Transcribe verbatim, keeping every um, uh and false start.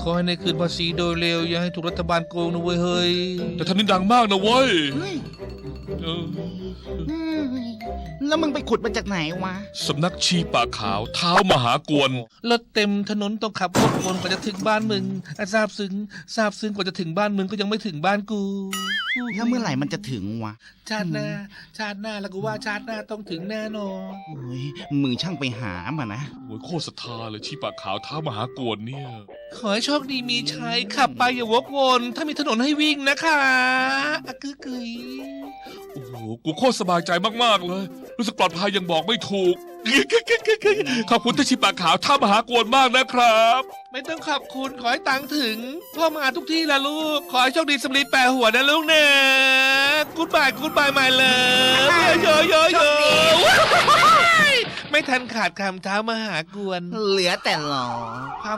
ขอให้ในคืนภาษีโดยเร็วอย่าให้ถูกรัฐบาลโกงนะเว้ยเฮ้ยแต่ท่านนี่ดังมากนะเว้ยเฮ้ยเออแล้วมึงไปขุดมาจากไหนวะสำนักชีป่าขาวเท้ามหากวนรถเต็มถนนต้องขับรถวนกว่าจะถึงบ้านมึงทราบซึ้งทราบซึ้งกว่าจะถึงบ้านมึงก็ยังไม่ถึงบ้านกูแล้วเมื่อไหร่มันจะถึงวะชาติหน้า ชาติหน้าแล้วกูว่าชาติหน้าต้องถึงแน่นอนเฮ้ยมึงช่างไปหามานะโอ้ยโคตรศรัทธาเลยชีป่าขาวเท้ามหากวนเนี่ยขอให้โชคดีมีชัยขับไปอย่าวกวนถ้ามีถนนให้วิ่งนะคะอะกึกกึยโอ้โหกูโคตรสบายใจมากๆเลย รู้สึกปลอดภัยยังบอกไม่ถูก ขอบคุณท่านชีป่าขาวเท้ามหากวนมากนะครับไม่ต้องขอบคุณขอให้ตังค์ถึง พ่อมาทุกที่ละลูก ขอให้โชคดีสำลีแปะหัวนะลูกนะกูดบายกูดบายมาเลยโยโยโยไม่ทันขาดคำเท้ามหากวนเหลือแต่หลอ